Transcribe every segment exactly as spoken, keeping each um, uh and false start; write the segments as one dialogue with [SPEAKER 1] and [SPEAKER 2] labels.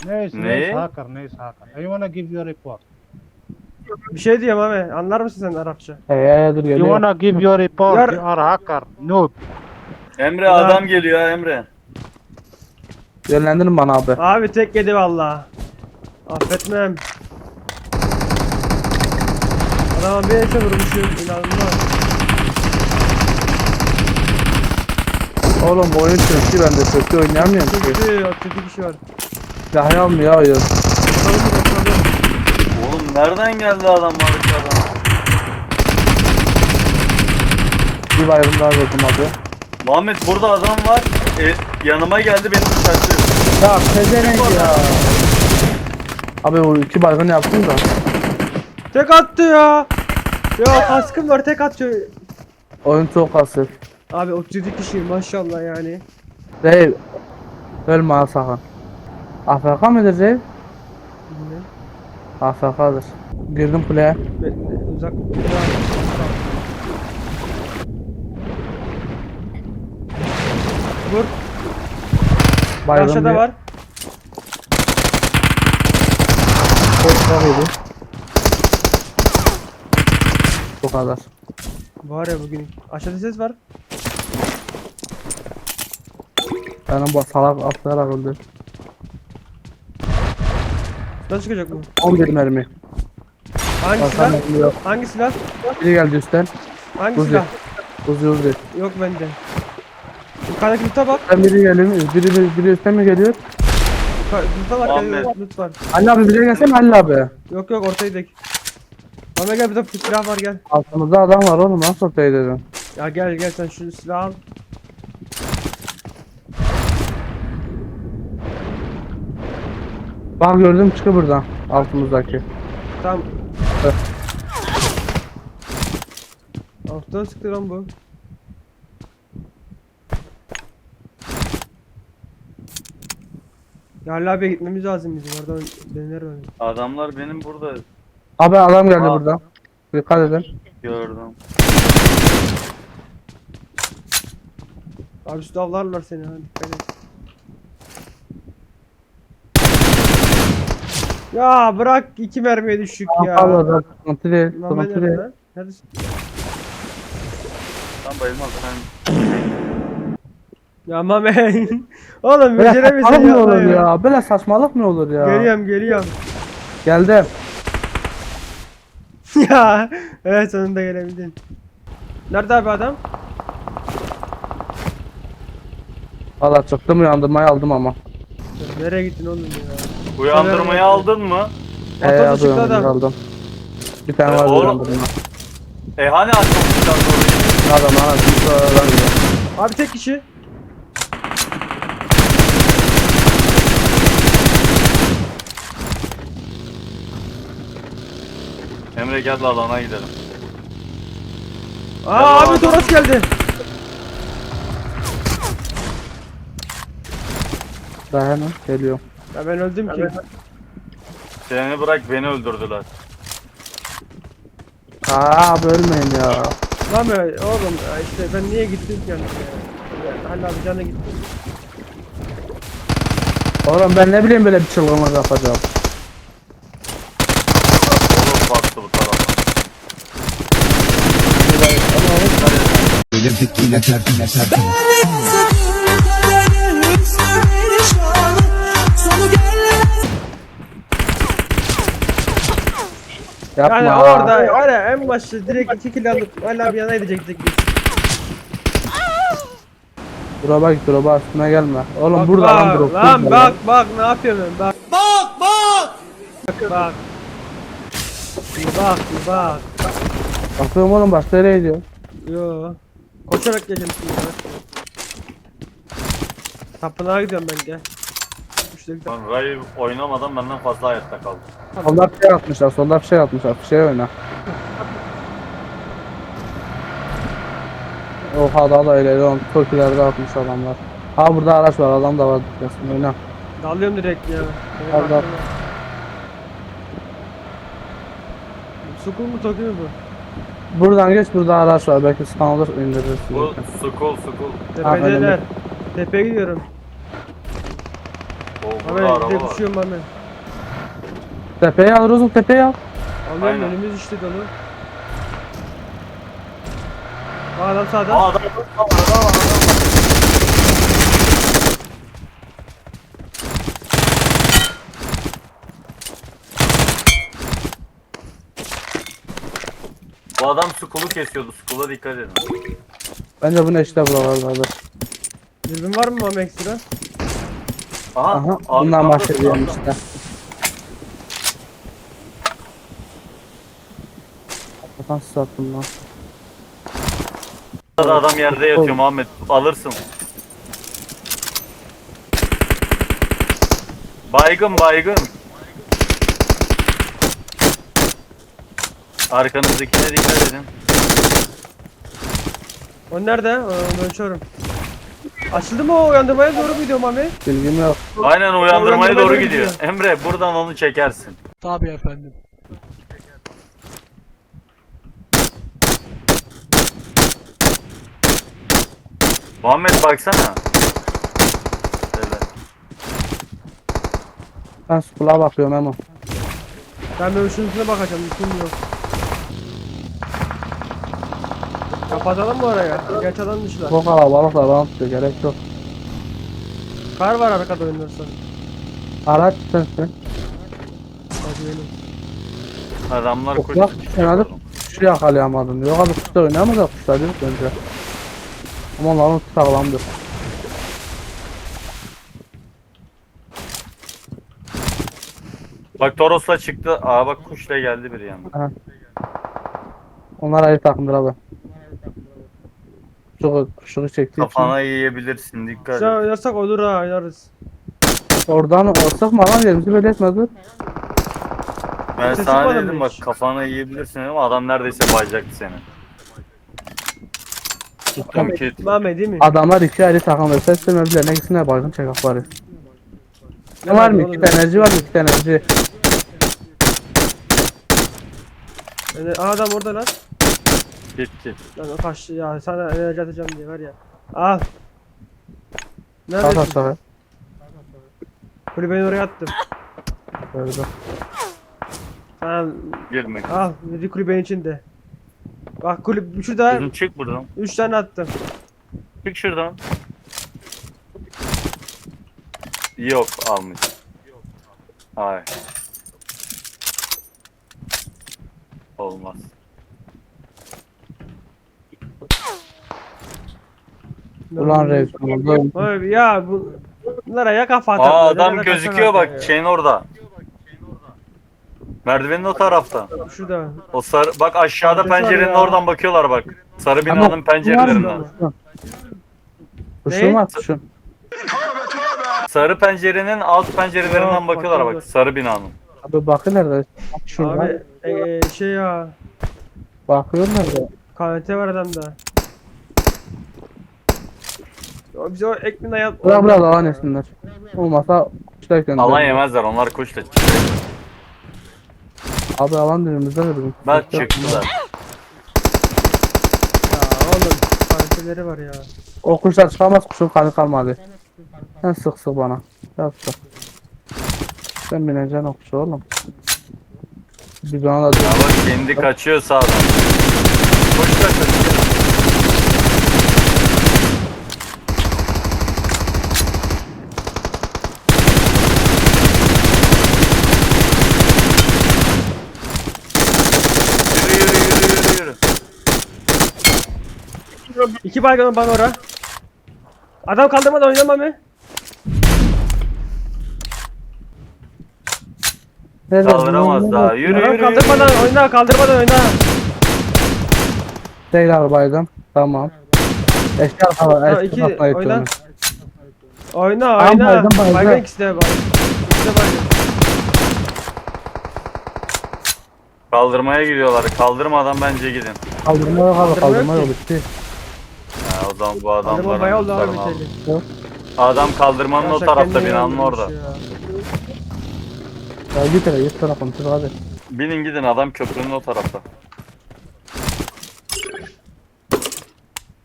[SPEAKER 1] Neyse,
[SPEAKER 2] Ne?
[SPEAKER 1] neyse hacker, neyse hacker. I wanna give you a report.
[SPEAKER 3] Bir şey diyeyim abi. Anlar mısın sen Arapça?
[SPEAKER 4] Ee, dur
[SPEAKER 1] You
[SPEAKER 4] geliyor.
[SPEAKER 1] wanna give you a report,
[SPEAKER 3] Yar-
[SPEAKER 1] you are hacker, noob.
[SPEAKER 2] Emre
[SPEAKER 3] Ulan.
[SPEAKER 2] adam geliyor ha Emre.
[SPEAKER 4] Yönlendirin bana abi.
[SPEAKER 3] Abi tek yedi valla. Affetmem. Adama bir ete vurmuşum. İnanılmaz.
[SPEAKER 4] Oğlum oyun çöktü, ben de çöktü oynayamıyorum ki.
[SPEAKER 3] Çünkü otuz iki kişi var.
[SPEAKER 4] Silahı almıyor oyun.
[SPEAKER 3] Bakalım bakalım.
[SPEAKER 2] Oğlum nereden geldi adam arkadan?
[SPEAKER 4] Bir bayram daha verdim abi.
[SPEAKER 2] Muhammed burada adam var. E, yanıma geldi beni bıçaklıyor.
[SPEAKER 4] Ya pezevenk ya. Abi o iki baygın yaptım da.
[SPEAKER 3] Tek attı ya. Ya kaskım var tek atıyor.
[SPEAKER 4] Oyun çok asıl.
[SPEAKER 3] Abi otuz yedi kişi maşallah yani.
[SPEAKER 4] Değil. Ölme ha sakın. A F K mıdır Zeyd?
[SPEAKER 3] Bilmem.
[SPEAKER 4] A F K'dır. Girdim kuleye.
[SPEAKER 3] Bekle, uzak. Vur.
[SPEAKER 4] Bayıldım
[SPEAKER 3] Aşağıda
[SPEAKER 4] bir-
[SPEAKER 3] var.
[SPEAKER 4] Çok çok iyiydi. Bu kadar.
[SPEAKER 3] Var ya bugün. Aşağıda ses var.
[SPEAKER 4] Benim bu salak atlayarak öldü.
[SPEAKER 3] Nasıl çıkacak bu?
[SPEAKER 4] on bir mermi.
[SPEAKER 3] Hangi
[SPEAKER 4] Bakan
[SPEAKER 3] silah?
[SPEAKER 4] mermi yok.
[SPEAKER 3] Hangi silah?
[SPEAKER 4] Biri geldi üstten.
[SPEAKER 3] Hangi
[SPEAKER 4] Uzi.
[SPEAKER 3] silah?
[SPEAKER 4] Uzi uzi.
[SPEAKER 3] Yok bende. Yukarıdaki loot'a bak.
[SPEAKER 4] Üstten biri geliyor. Biri, biri, biri üstten mi geliyor?
[SPEAKER 3] Yukarı- Loot'a bak.
[SPEAKER 2] Ahmet.
[SPEAKER 3] Loot loot var.
[SPEAKER 4] Halil abi bize gelsene Halil abi.
[SPEAKER 3] Yok yok ortaya dek. Ahmet gel burada silah var gel.
[SPEAKER 4] Altımızda adam var oğlum, nasıl ortaya dedim.
[SPEAKER 3] Ya gel gel sen şu silahı al.
[SPEAKER 4] Bak gördüm, çıkı buradan altımızdaki.
[SPEAKER 3] Tamam.
[SPEAKER 4] Evet.
[SPEAKER 3] Alttan sıktı lan bu. Ya Ali abiye gitmemiz lazım bizim oradan döner öyle.
[SPEAKER 2] Adamlar benim burada
[SPEAKER 4] Abi adam geldi
[SPEAKER 2] Aa.
[SPEAKER 4] buradan. Dikkat edin.
[SPEAKER 2] gördüm.
[SPEAKER 3] Abi şu davlarlar seni hadi dikkat et. Ya bırak iki mermiye düştük ya.
[SPEAKER 4] Allah da sıkıntı değil.
[SPEAKER 3] Lan ben
[SPEAKER 4] Sıkıntı değil.
[SPEAKER 3] nerede lan? Neredesin?
[SPEAKER 2] Sen bayılmaz sen.
[SPEAKER 3] Ya mamen. Oğlum
[SPEAKER 4] Böyle
[SPEAKER 3] beceremiyorsun
[SPEAKER 4] saçmalık mı olur
[SPEAKER 3] ya.
[SPEAKER 4] ya? Böyle saçmalık mı olur ya?
[SPEAKER 3] Geliyorum geliyorum.
[SPEAKER 4] Geldim.
[SPEAKER 3] Ya evet sonunda gelebildin. Nerede abi adam?
[SPEAKER 4] Valla çıktım, uyandırmayı aldım ama.
[SPEAKER 3] Nereye gittin oğlum ya?
[SPEAKER 2] Uyandırmayı aldın mı?
[SPEAKER 4] Ee,
[SPEAKER 3] Motorla
[SPEAKER 4] aldım,
[SPEAKER 3] çıktı adam.
[SPEAKER 4] aldım. Bir tane
[SPEAKER 2] Ee,
[SPEAKER 4] var
[SPEAKER 2] oğlum.
[SPEAKER 4] uyandırma.
[SPEAKER 2] E hani açmamışlar orayı?
[SPEAKER 4] Adam ana bir sıradan gidiyor.
[SPEAKER 3] Abi tek kişi.
[SPEAKER 2] Emre gel de alana gidelim.
[SPEAKER 3] Aa
[SPEAKER 2] Ya
[SPEAKER 3] abi
[SPEAKER 2] adam-
[SPEAKER 3] Toros geldi.
[SPEAKER 4] Daha hemen geliyor.
[SPEAKER 3] Ya ben öldüm ki.
[SPEAKER 2] Seni bırak beni öldürdüler.
[SPEAKER 4] Aa abi ölmeyin ya.
[SPEAKER 3] Lan be oğlum ya işte ben niye gittim ki yani ya. Halil abi canına gitti.
[SPEAKER 4] Oğlum ben ne bileyim böyle bir çılgınlık yapacağım.
[SPEAKER 2] Oğlum baktı bu tarafa.
[SPEAKER 5] Delirdik yine tertine tertine.
[SPEAKER 4] Yapma.
[SPEAKER 3] Yani orada var ya en başta direkt iki kill alıp Halil abi yana edecektik biz.
[SPEAKER 4] Drop'a git, drop'a üstüne gelme. Oğlum
[SPEAKER 3] Bak,
[SPEAKER 4] burada lan
[SPEAKER 3] bak,
[SPEAKER 4] drop.
[SPEAKER 3] Lan
[SPEAKER 4] burada
[SPEAKER 3] bak bak ne yapıyorum ben bak. Bak bak. Bak. Bir bak bir bak.
[SPEAKER 4] Bakıyorum oğlum, başka yere gidiyor.
[SPEAKER 3] Yo. Koşarak geleceğim şimdi ben. Tapınağa gidiyorum ben gel. Üçte bir
[SPEAKER 2] Lan Ray oynamadan benden fazla hayatta kaldı.
[SPEAKER 4] Solda bir şey atmışlar, solda bir şey atmışlar. Bir şey oyna. Oha daha da ileri on. Türkülerde atmış adamlar. Ha burada araç var, adam da var. Dikkasin oyna.
[SPEAKER 3] dalıyorum direkt ya. Benim
[SPEAKER 4] Al, dal.
[SPEAKER 3] aklıma- Sukul mu Toki mi bu?
[SPEAKER 4] Buradan geç, burada araç var. Belki stun olur, indiririz.
[SPEAKER 2] Bu skul skul.
[SPEAKER 3] Tepedeler.
[SPEAKER 4] önemli.
[SPEAKER 3] Tepeye gidiyorum.
[SPEAKER 2] O burada
[SPEAKER 3] Mami
[SPEAKER 2] araba
[SPEAKER 3] bir de
[SPEAKER 2] var.
[SPEAKER 3] düşüyorum Mami.
[SPEAKER 4] Tepeye al Rozok, tepeye al.
[SPEAKER 3] Alıyorum
[SPEAKER 2] Aynen.
[SPEAKER 3] önümüz işte dolu. Bak adam sağda.
[SPEAKER 2] Aa adam var, adam var, adam var. Bu adam skulu kesiyordu. Skula dikkat edin.
[SPEAKER 4] Bence bu ne işte buralarda.
[SPEAKER 3] Dürbün var mı Mami ekstra?
[SPEAKER 2] Aha.
[SPEAKER 4] Aha,
[SPEAKER 2] abi,
[SPEAKER 4] bundan
[SPEAKER 2] tam da
[SPEAKER 4] bahsediyorum
[SPEAKER 2] sağda.
[SPEAKER 4] işte. Kapan sattım lan.
[SPEAKER 2] Burada adam yerde yatıyor Muhammed. Alırsın. Baygın baygın. Arkanızdakine dikkat edin.
[SPEAKER 3] O nerede? Aa, ben uçuyorum. Açıldı mı o uyandırmaya doğru mu gidiyor Mami?
[SPEAKER 4] Bilgim yok.
[SPEAKER 2] Aynen uyandırmaya
[SPEAKER 3] Uyandırmaya
[SPEAKER 2] doğru
[SPEAKER 3] doğru
[SPEAKER 2] gidiyor.
[SPEAKER 3] gidiyor.
[SPEAKER 2] Emre buradan onu çekersin.
[SPEAKER 3] Tabii efendim.
[SPEAKER 2] Muhammed baksana. Şöyle.
[SPEAKER 4] Ben skula bakıyorum Emo.
[SPEAKER 3] Ben böyle şunun bakacağım. Mümkün yok. Kapatalım mı oraya? Geç adam dışlar.
[SPEAKER 4] Bu kalabalıklar bana tutuyor, gerek yok.
[SPEAKER 3] Kar var arkada oynarsan.
[SPEAKER 4] Araç sensin.
[SPEAKER 3] Hadi benim.
[SPEAKER 2] Adamlar
[SPEAKER 4] Yok,
[SPEAKER 2] koşuyor.
[SPEAKER 4] kenarda kuşu yakalayamadım. Yok abi kuşta oynayamaz da kuşlar değil bence. Ama onların uçu sağlamdır.
[SPEAKER 2] Bak Toros'la çıktı. Aa bak kuşla geldi biri yanına.
[SPEAKER 4] Onlar ayrı takımdır abi. Kuşu, kuşu çektiği için.
[SPEAKER 2] Kafana yiyebilirsin dikkat
[SPEAKER 3] Sen
[SPEAKER 2] et.
[SPEAKER 3] oynarsak olur ha oynarız.
[SPEAKER 4] Oradan ortak mı alan yerimizi böyle etmezdi.
[SPEAKER 2] Ben
[SPEAKER 3] Sesi
[SPEAKER 2] sana
[SPEAKER 3] bana
[SPEAKER 2] dedim
[SPEAKER 3] mı
[SPEAKER 2] bak
[SPEAKER 3] hiç?
[SPEAKER 2] kafana yiyebilirsin ama adam neredeyse bayacaktı seni. Tuttum kit.
[SPEAKER 3] Mami değil mi?
[SPEAKER 4] Adamlar iki ayrı takımdır. Ses demediler. Ne gitsinler baygın çekak bari. Ne var mı?
[SPEAKER 3] oğlum?
[SPEAKER 4] İki enerji var mı? İki enerji.
[SPEAKER 3] Yani, aha, adam orada lan.
[SPEAKER 2] Kit kit.
[SPEAKER 3] Lan o kaçtı ya sana enerji atacağım diye var ya. Al.
[SPEAKER 4] Sağ
[SPEAKER 3] Neredesin?
[SPEAKER 4] aşağı.
[SPEAKER 3] Kulübeyi oraya attım.
[SPEAKER 4] Böyle.
[SPEAKER 3] Tamam
[SPEAKER 2] Girme.
[SPEAKER 3] al bir kulübenin içinde. Bak kulüp şurada
[SPEAKER 2] Kızım çık buradan.
[SPEAKER 3] üç tane attım.
[SPEAKER 2] Çık şuradan. Yok almış. Hayır. Olmaz.
[SPEAKER 4] Ulan reis. Burada
[SPEAKER 3] Abi ya bu bunlara ya kafa
[SPEAKER 2] Aa
[SPEAKER 3] atar.
[SPEAKER 2] adam gözüküyor bak şeyin orada. Merdivenin o tarafta.
[SPEAKER 3] Şurada.
[SPEAKER 2] O sarı bak aşağıda
[SPEAKER 3] Adresi var
[SPEAKER 2] pencerenin
[SPEAKER 3] ya.
[SPEAKER 2] oradan bakıyorlar bak. Sarı binanın
[SPEAKER 4] Ama-
[SPEAKER 2] pencerelerinden.
[SPEAKER 4] kuşun
[SPEAKER 3] Ne?
[SPEAKER 4] var kuşun.
[SPEAKER 2] Sarı pencerenin alt pencerelerinden
[SPEAKER 3] Yok,
[SPEAKER 2] bakıyorlar bak.
[SPEAKER 3] bakıyorlar.
[SPEAKER 2] Sarı binanın.
[SPEAKER 4] Abi bakın nerede? Şurada.
[SPEAKER 3] Abi e, e, şey ya
[SPEAKER 4] Bakıyor nerede?
[SPEAKER 3] K N T var adamda. O bize o ekmeğine yap.
[SPEAKER 4] Bırak bırak alan etsinler. Olmasa kuşlar gönder.
[SPEAKER 2] Alan yemezler onlar kuşla.
[SPEAKER 4] Abi alan dilimizde dedim.
[SPEAKER 2] Ben çıktılar.
[SPEAKER 3] Ya oğlum K N T'leri var ya.
[SPEAKER 4] O kuşlar çıkamaz, kuşun kanı kalmadı. Sen sık sık bana. Yap sık. Sen bineceksin o kuşa oğlum. Biz ona da
[SPEAKER 2] Ya bak kendi kaçıyor sağdan. Kuşla kaçıyor. Yürü yürü yürü yürü yürü.
[SPEAKER 3] İki baygın bana ora. Adam kaldırmadan oynamam mı?
[SPEAKER 2] Kaldıramaz daha. Yürü
[SPEAKER 3] Adam
[SPEAKER 2] yürü
[SPEAKER 3] kaldırmadan
[SPEAKER 2] yürü.
[SPEAKER 3] oyna, kaldırmadan oyna.
[SPEAKER 4] Değil arabaydım. Tamam. Eşya
[SPEAKER 3] Ha,
[SPEAKER 4] araba.
[SPEAKER 3] iki,
[SPEAKER 4] Eşya araba
[SPEAKER 3] oyna.
[SPEAKER 4] yapıyorum.
[SPEAKER 3] Oyna,
[SPEAKER 4] Tamam,
[SPEAKER 3] oyna.
[SPEAKER 4] baygın, baygın.
[SPEAKER 3] Baygın ikisi de baygın. İkisi de baygın.
[SPEAKER 2] Kaldırmaya gidiyorlar. Kaldırmadan bence gidin.
[SPEAKER 4] Kaldırma yok abi,
[SPEAKER 3] Kaldırma
[SPEAKER 4] kaldırma
[SPEAKER 3] yok
[SPEAKER 4] yok
[SPEAKER 3] ki.
[SPEAKER 4] bitti.
[SPEAKER 2] Ha, o zaman bu
[SPEAKER 3] Kaldırma
[SPEAKER 2] adamların
[SPEAKER 3] bayağı oldu abi
[SPEAKER 2] lootlarını aldı.
[SPEAKER 3] biteli.
[SPEAKER 2] Adam kaldırmanın o
[SPEAKER 3] Yavşak
[SPEAKER 2] tarafta
[SPEAKER 3] kendini
[SPEAKER 2] binanın
[SPEAKER 3] öldürmüş
[SPEAKER 2] orada.
[SPEAKER 3] ya.
[SPEAKER 4] Ya git hele git sana konuşur hadi.
[SPEAKER 2] Binin gidin adam köprünün o tarafta.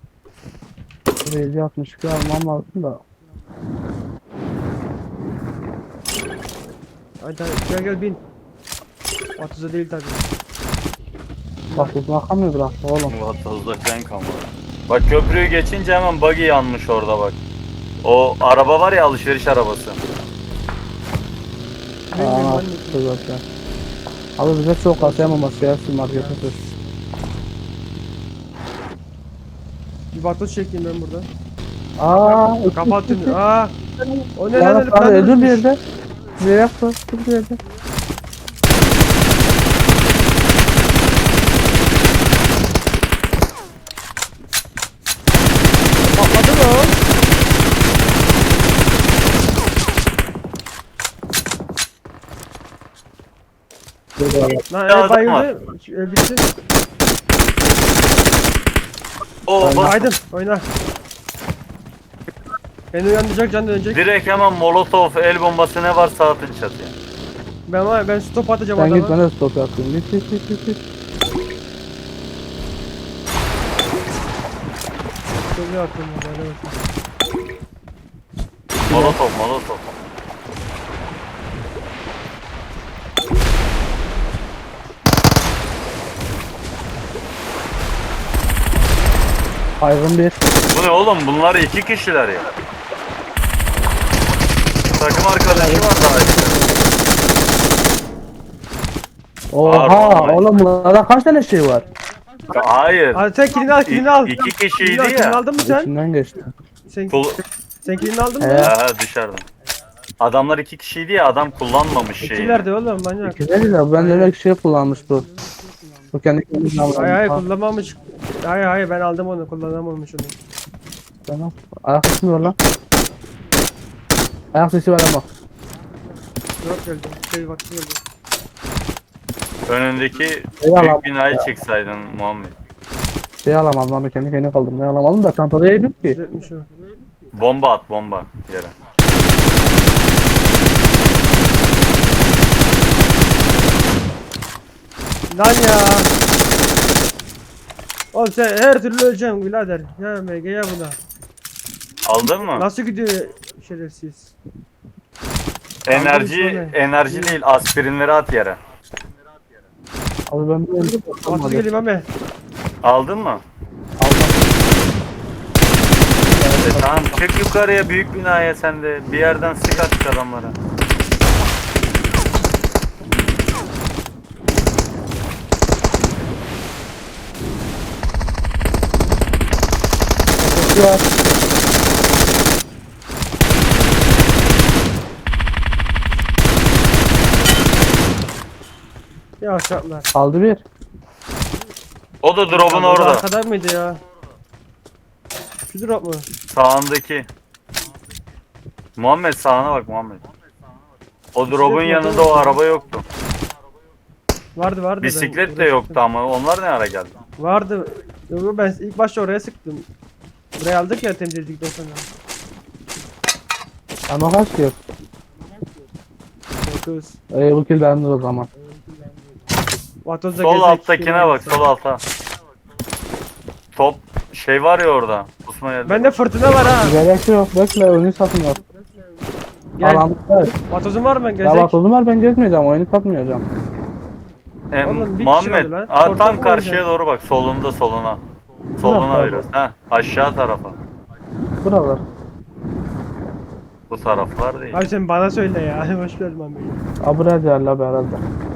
[SPEAKER 4] Buraya altmış iki almam lazım da.
[SPEAKER 3] Hadi hadi, gel gel bin. otuza değil tabi.
[SPEAKER 4] Bak bu bakamıyor bırak oğlum.
[SPEAKER 2] Vatozda falan kalmadı. Bak köprüyü geçince hemen buggy yanmış orada bak. O araba var ya, alışveriş arabası.
[SPEAKER 3] Bilmiyorum
[SPEAKER 4] Aa,
[SPEAKER 3] ben de.
[SPEAKER 4] işte zaten. Abi bize çok atayamaması ya şu markete sür.
[SPEAKER 3] Bir vatoz çekeyim ben buradan.
[SPEAKER 4] Aa,
[SPEAKER 3] Kapattın. Aa. O ne
[SPEAKER 4] Ya
[SPEAKER 3] lan?
[SPEAKER 4] abi öldür bir
[SPEAKER 3] Öldürmüş.
[SPEAKER 4] yerde. Bir yaptı. Dur bir yerde.
[SPEAKER 3] Patladı mı o? Lan
[SPEAKER 2] Ya
[SPEAKER 3] evet
[SPEAKER 2] adam var.
[SPEAKER 3] bayıldı. Ee, Bitti.
[SPEAKER 2] O bak,
[SPEAKER 3] Aydın oyna. Beni uyandıracak can dönecek.
[SPEAKER 2] direkt hemen molotof, el bombası ne varsa atın çatıya.
[SPEAKER 3] Ben var ben stop atacağım
[SPEAKER 4] Sen git
[SPEAKER 3] adama.
[SPEAKER 4] ben de stop yapayım. Git git git git. git.
[SPEAKER 3] Şöyle atıyorum ya, böyle bakayım.
[SPEAKER 2] Molotof, molotof.
[SPEAKER 4] Aygın bir.
[SPEAKER 2] Bu ne oğlum, bunlar iki kişiler ya. Takım arkadaşı var daha işte.
[SPEAKER 4] Oha
[SPEAKER 2] Pardon.
[SPEAKER 4] oğlum bunlarda kaç tane şey var?
[SPEAKER 2] Hayır.
[SPEAKER 3] Hadi sen kilini al kilini
[SPEAKER 2] İ-
[SPEAKER 3] al.
[SPEAKER 2] iki kişiydi
[SPEAKER 3] Kilini al, kilini
[SPEAKER 2] ya.
[SPEAKER 3] aldın mı sen?
[SPEAKER 4] İçinden geçti.
[SPEAKER 3] Sen,
[SPEAKER 2] Kul
[SPEAKER 3] sen kilini aldın mı?
[SPEAKER 4] He.
[SPEAKER 2] ha, dışarıdan. Adamlar iki kişiydi ya, adam kullanmamış şeyi.
[SPEAKER 3] İkilerde oğlum manyak.
[SPEAKER 4] Güzel ya ben de öyle şey kullanmış bu. Bu kendi kendine almış.
[SPEAKER 3] Hayır hayır kullanmamış. Hayır hayır ben aldım onu kullanamamış onu.
[SPEAKER 4] Tamam. Ayak sesi mi var lan? Ayak sesi var ama.
[SPEAKER 3] Yok geldi. Şey vakti geldi.
[SPEAKER 2] Önündeki
[SPEAKER 4] Eyvallah.
[SPEAKER 2] büyük binayı çeksaydın Muhammed.
[SPEAKER 4] Şey alamadım lan kendi kendine kaldım. Ne alamadım da çantada yedim ki.
[SPEAKER 3] Düzeltmiş o.
[SPEAKER 2] Bomba at, bomba yere.
[SPEAKER 3] Lan ya. Oğlum sen her türlü öleceksin birader. Ya M G ya buna.
[SPEAKER 2] Aldın mı?
[SPEAKER 3] Nasıl gidiyor şerefsiz?
[SPEAKER 2] Enerji,
[SPEAKER 3] Aldın mı?
[SPEAKER 2] enerji değil, aspirinleri at yere.
[SPEAKER 4] Abi ben bir öldüm.
[SPEAKER 3] Atı geleyim abi.
[SPEAKER 2] Aldın mı? E, tamam, çık yukarıya, büyük binaya sen de. Bir yerden sık at adamlara.
[SPEAKER 4] Sesi var.
[SPEAKER 3] Ya aşağılar.
[SPEAKER 4] Kaldı bir.
[SPEAKER 2] O da drop'un orada.
[SPEAKER 3] Arkada mıydı ya? Şu drop mu?
[SPEAKER 2] Sağındaki. Muhammed, sağına bak Muhammed. O drop'un yanında o araba yoktu.
[SPEAKER 3] Vardı vardı. ben
[SPEAKER 2] Bisiklet de
[SPEAKER 3] oraya
[SPEAKER 2] yoktu
[SPEAKER 3] sıktım.
[SPEAKER 2] ama onlar ne ara geldi?
[SPEAKER 3] Vardı. Yok yok, ben ilk başta oraya sıktım. Buraya aldık ya temizledikten sonra.
[SPEAKER 4] Ama kaç yok.
[SPEAKER 3] dokuz.
[SPEAKER 4] Ee, bu kill bende o zaman.
[SPEAKER 3] Vatozda
[SPEAKER 2] Sol
[SPEAKER 3] gezek,
[SPEAKER 2] alttakine
[SPEAKER 3] şey
[SPEAKER 2] bak, sol alta. Top şey var ya orada. Osman geldi.
[SPEAKER 3] Bende fırtına var ha.
[SPEAKER 4] Gerek yok. Bekle oyunu satmıyor.
[SPEAKER 3] Gel.
[SPEAKER 4] Alanlar.
[SPEAKER 3] Vatozun var mı?
[SPEAKER 4] Ya
[SPEAKER 3] Gezek.
[SPEAKER 4] bak o zaman ben gezmeyeceğim. Oyunu satmayacağım.
[SPEAKER 2] E,
[SPEAKER 3] Oğlum, bir kişi
[SPEAKER 2] Muhammed,
[SPEAKER 3] oldu lan.
[SPEAKER 2] aa,
[SPEAKER 3] Ortak
[SPEAKER 2] tam
[SPEAKER 3] mı
[SPEAKER 2] karşıya
[SPEAKER 3] oynayacak?
[SPEAKER 2] doğru bak, solunda soluna. Soluna
[SPEAKER 4] Bırak
[SPEAKER 2] biraz. Ha, aşağı tarafa.
[SPEAKER 4] Buralar.
[SPEAKER 2] Bu taraflar değil.
[SPEAKER 3] Abi sen bana söyle ya. Hoş geldin abi.
[SPEAKER 4] Abra derler herhalde.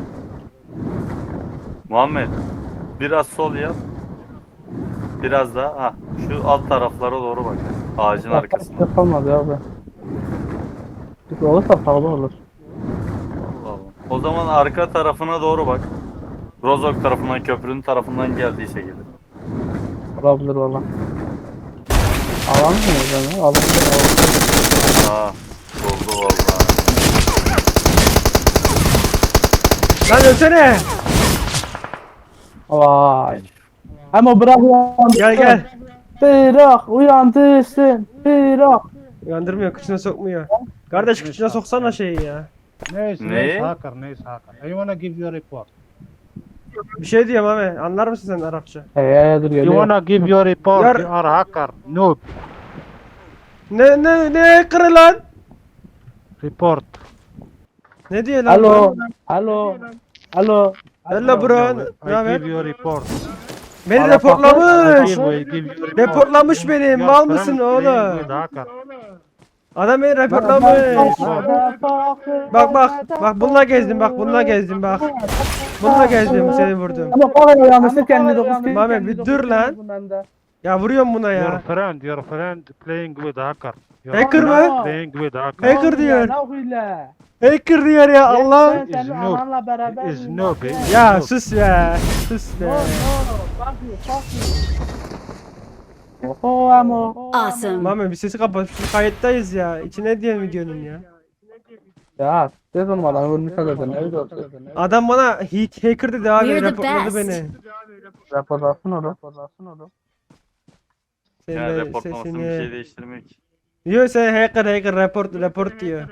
[SPEAKER 2] Muhammed, biraz sol yap. Biraz daha. Ha, şu alt taraflara doğru bak. Ağacın arkasına.
[SPEAKER 4] Arkasında kalmadı abi. Çünkü olursa pahalı olur.
[SPEAKER 2] Allah Allah. O zaman arka tarafına doğru bak. Rozok tarafından, köprünün tarafından geldiyse gelir.
[SPEAKER 4] Olabilir valla. Alan mı yani? Alan mı?
[SPEAKER 2] Ha, oldu vallahi.
[SPEAKER 3] Lan ölsene.
[SPEAKER 4] Vay. Ama bırak uyandırsın.
[SPEAKER 3] Gel gel.
[SPEAKER 4] Bırak uyandırsın. Bırak.
[SPEAKER 3] Uyandırmıyor, kıçına sokmuyor. Kardeş kıçına soksana şeyi ya.
[SPEAKER 1] Nice,
[SPEAKER 2] Ne?
[SPEAKER 1] nice hacker, nice hacker. I wanna give you a report.
[SPEAKER 3] Bir şey diyorum abi. Anlar mısın sen Arapça?
[SPEAKER 4] Hey hey dur
[SPEAKER 1] You
[SPEAKER 4] geliyor.
[SPEAKER 1] wanna give your report?
[SPEAKER 3] Yar-
[SPEAKER 1] You are hacker. Noob.
[SPEAKER 3] Ne ne ne kırı lan?
[SPEAKER 1] Report.
[SPEAKER 3] Ne diyor lan?
[SPEAKER 4] Alo. Alo. Alo.
[SPEAKER 3] Hello bro. Ne
[SPEAKER 1] I
[SPEAKER 3] haber?
[SPEAKER 1] give you report.
[SPEAKER 3] Beni
[SPEAKER 4] Ala
[SPEAKER 1] I
[SPEAKER 3] reportlamış.
[SPEAKER 1] give, I give you report.
[SPEAKER 3] Reportlamış beni.
[SPEAKER 1] Your
[SPEAKER 3] Mal
[SPEAKER 1] friend
[SPEAKER 3] mısın
[SPEAKER 1] playing
[SPEAKER 3] oğlum?
[SPEAKER 1] with hacker.
[SPEAKER 3] Adam beni reportlamış. Bak bak bak bununla gezdim bak bununla gezdim bak. Bununla gezdim seni vurdum.
[SPEAKER 4] Ama kavga yanlışlık kendi dokuz kez.
[SPEAKER 3] Mame, bir dur lan. Ya vuruyorum buna
[SPEAKER 1] Your
[SPEAKER 3] ya.
[SPEAKER 1] friend, your friend playing with hacker. Your
[SPEAKER 3] Hacker
[SPEAKER 1] friend
[SPEAKER 3] mı?
[SPEAKER 1] Playing with hacker.
[SPEAKER 3] Hacker diyor.
[SPEAKER 4] Ne okuyla?
[SPEAKER 3] Hacker diyor ya Allah.
[SPEAKER 4] Ben senin
[SPEAKER 1] noob.
[SPEAKER 4] ananla beraber.
[SPEAKER 1] Is noob. is
[SPEAKER 3] Ya
[SPEAKER 1] noob.
[SPEAKER 3] sus be. Sus
[SPEAKER 4] No
[SPEAKER 3] be.
[SPEAKER 4] no. Fuck you. Fuck you. Oho amo.
[SPEAKER 6] Awesome.
[SPEAKER 3] Mame bir sesi kapat. Şu kayıttayız ya. İçine diye videonun ya.
[SPEAKER 4] Ya ses olmadan ölmüş zaten. Ne oldu?
[SPEAKER 3] Adam bana hack- hacker dedi abi.
[SPEAKER 6] We're the
[SPEAKER 3] Reportladı
[SPEAKER 6] best.
[SPEAKER 3] beni.
[SPEAKER 4] Raporlasın onu. Raporlasın onu.
[SPEAKER 3] Senin
[SPEAKER 2] Yani
[SPEAKER 3] de
[SPEAKER 2] reportlamasın bir şey
[SPEAKER 3] sesini.
[SPEAKER 2] değiştirmiyor ki.
[SPEAKER 3] Diyor sen hacker hacker report report diyor.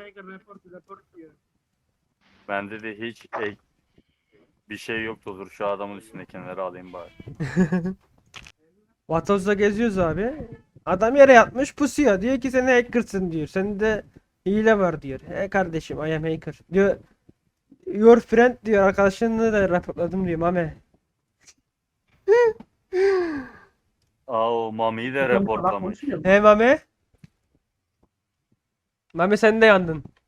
[SPEAKER 2] Bende de hiç ek bir şey yoktu. Dur şu adamın üstündekileri alayım bari.
[SPEAKER 3] Vatoz'da geziyoruz abi. Adam yere yatmış pusuyor. Diyor ki sen hackersın diyor. Sende hile var diyor. He kardeşim I am hacker. Diyor your friend diyor. Arkadaşını da raporladım diyor Mame.
[SPEAKER 2] Aa o Mami'yi de reportlamış.
[SPEAKER 3] He Mame. Mame sen de yandın.